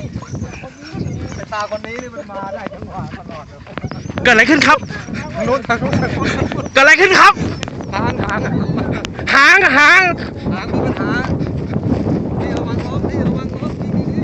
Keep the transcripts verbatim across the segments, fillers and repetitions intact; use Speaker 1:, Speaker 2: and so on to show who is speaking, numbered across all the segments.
Speaker 1: สายตาคนนี้นี่มันมาได้จังหวะตลอดเลย
Speaker 2: เกิดอะไรขึ้นครับ
Speaker 1: ทางโน้นทางโน้น
Speaker 2: เกิดอะไรขึ้นครับ
Speaker 1: หางหาง
Speaker 2: หางหาง
Speaker 1: หางมีปัญหานี่ระวังล้มนี่ระวังล้มนี่นี่นี่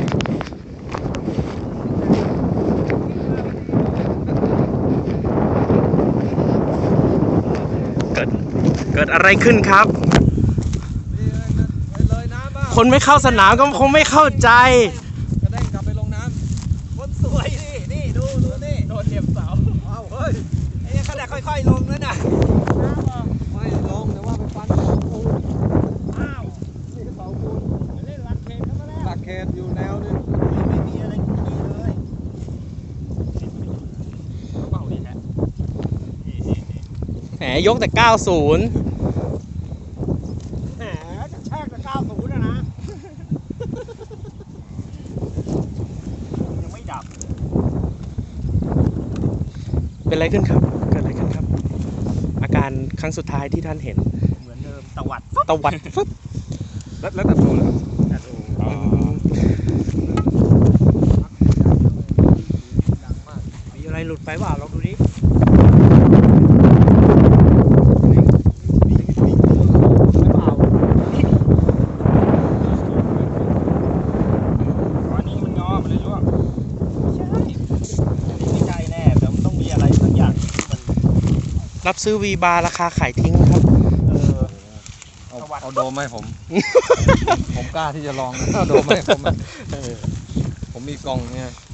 Speaker 2: เกิดเกิดอะไรขึ้นครับ
Speaker 1: นี่เลยน้ำบ้าง
Speaker 2: คนไม่เข้าสนามก็คงไม่เข้าใจ
Speaker 1: กระเด้งกลับไปลงน้ำคนสวยนี่นี่ดูดูนี่โดนเหยียบเสาเอ้าเฮ้ยไอ้ขนาดค่อยๆลงแล้วน่ะไม่ลงแต่ว่าไปฟันเสาปูนอ้าวนี่เสาปูนเล่นหลักเขตเข้ามาแล้วหลักเขตอยู่แนวนึงไม่มีอะไรดีเลยเบาดีแท้
Speaker 2: แหมยกแต่เก้าสิบ
Speaker 1: แหมจะแช่กับเก้าศูนย์นะนะยังไม่ดับ
Speaker 2: เป็นอะไรขึ้นครับ เกิดอะไรขึ้นครับ อาการครั้งสุดท้ายที่ท่านเห็น
Speaker 1: เหมือนเดิมตวัด
Speaker 2: ตวัดฟึบ
Speaker 1: แล้วแล้วแต่โดนแต่โดน
Speaker 2: อ๋อ
Speaker 1: ดังมาก
Speaker 2: มีอะไรหลุดไปเปล่าลองดูดิ
Speaker 1: ไม่เปล่า
Speaker 3: อันนี้มันงอมันเลยร่วงไม่ใช่อันนี้ไม่ใช่แน่แต่มันต้องมีอะไรสักอย่างที่มัน
Speaker 2: รับซื้อวีบาร์ราคาขายทิ้งครับ
Speaker 3: เออ
Speaker 1: เอาเอาโดมให้ผม ผมกล้าที่จะลองเอาโดมให้ผมผมมีกล่องเนี่ย